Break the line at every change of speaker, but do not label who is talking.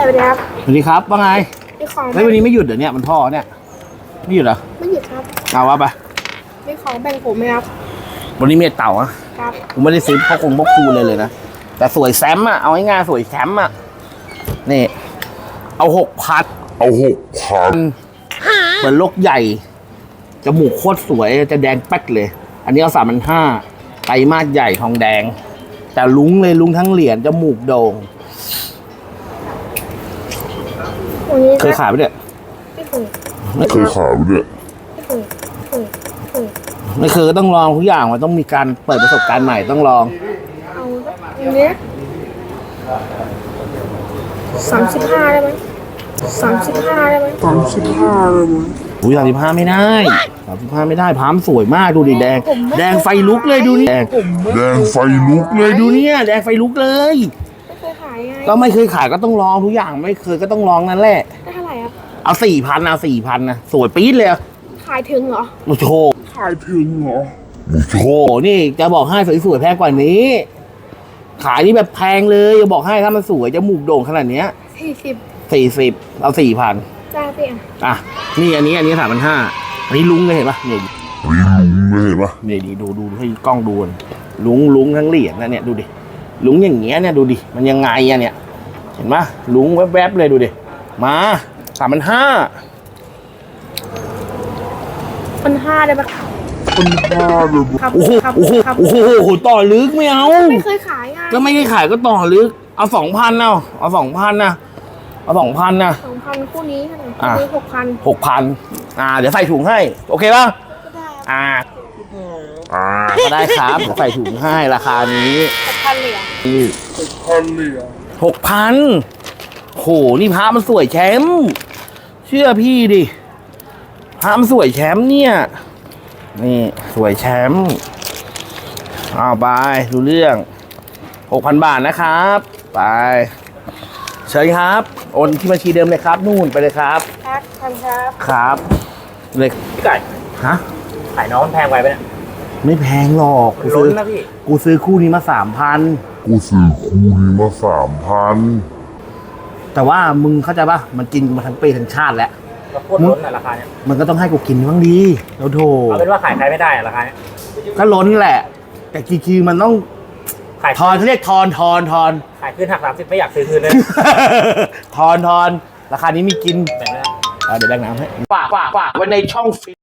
สวัสดีครับ
สวัสดีครับว่าไง
มีของ
แล้ววันนี้ไม่หยุดเดี๋ยวนี้มันพ่อเนี่ยไม่หยุดเหรอ
ไม่หยุดครับ
เอาวะไป
มีของแบ่งผมไหมครับ
วันนี้เมียเต่าอะ
ครับ
ผมไม่ได้ซื้อพ่อคงพ่อครูเลยนะแต่สวยแซมอะเอาง่ายๆสวยแซมอะนี่เอา6,000เหมือนลกใหญ่จมูกโคตรสวยจะแดงแป๊ดเลย อันนี้เอา3,500ไตรมาสใหญ่ทองแดงแต่ลุงเลยลุงทั้งเหรียญจมูกโด่งเคยขายไปเนี่ย
ไม่เคย
ขายไปเนี่ยไม่เคยก็ต้องลองทุกอย่างมันต้องมีการเปิดประสบการณ์ใหม่ต้องลอง
เอาเนี้ย35ได้ไหม35ได้ไหม
อุ้ย35ไม่ได้35ไม่ได้พามสวยมากดูดิแดงไฟลุกเลยดูนี่แดงไฟลุกเลยดูเนี่ยแดงไฟลุกเลย
ไม่เคยขายไง
ก็ไม่เคยขายก็ต้องลองทุกอย่างไม่เคยก็ต้องลองนั่นแหละ
ได้เท่าไหร่ครับ
เอา4,000เอา4,000นะสวยปี๊ดเลย
ขายถึงเหรอ
โอ้โหขายถึงเหรอโอ้โหนี่จะบอกให้สวยๆแพงกว่านี้ขายนี่แบบแพงเลยจะบอกให้ถ้ามันสวยจมูกโด่งขนาดเนี้ย40เอา4,000
ได้พี่
อ่ะนี่อันนี้3,500อันนี้ลุงเลยเห็นปะเนี่ยนี่ดีดูให้กล้องดูลุงทั้งเหรียญนะเนี่ยดูดิลุงอย่างเงี้ยเนี่ยดูดิมันยังไงอะเนี่ยเห็นปะลุงแวบๆเลยดูดิมา3,500
1,500ได้ปะครับ
โอ้โหต่อลึกไม่เอา
ไม่เคยขายไง
ก็ไม่ได้ขายก็ต่อลึกเอา2,000เอา2,000นะเอา2,000นะ
2,000คู่นี้เท่าไหร่คู่นี้
6,000เดี๋ยวใส่ถุงให้โอเคป่ะก็ได้ครับเดี๋ยวใส่ถุงให้ราคานี้
6,000เหรียญ
6,000โหนี่พระมันสวยแชมป์เชื่อพี่ดิพระมันสวยแชมป์เนี่ยนี่สวยแชมป์เอาไปดูเรื่อง 6,000 บาทนะครับไปเชิญครับโอนที่บัญชีเดิมเลยครับนู่นไปเลยครับครับเลย
ไก่
ฮะ
ขายน้องมันแพงไปไหมเนี่ย
ไม่แพงหรอกกูซื้อคู่นี้มา 3,000แต่ว่ามึงเข้าใจป่ะมันกินมาทั้งปีทั้งชาติแล้ว
โคตรล้นอะราคาเนี้ย
มันก็ต้องให้กูกินบ้างดีเราโถ
เอาเป็นว่าขายใครไม่ได้ราคาเนี้ย
ก็ล้นแหละแต่คือมันต้องทอนเขาเรียกทอน
ขายคืนหัก30ไม่อยากซื้อคืนเลย
ทอนราคานี้มีกิน
แบ่งเลย
เดี๋ยวแบ่งน้ำให้ฝากไว้ในช่องฟิ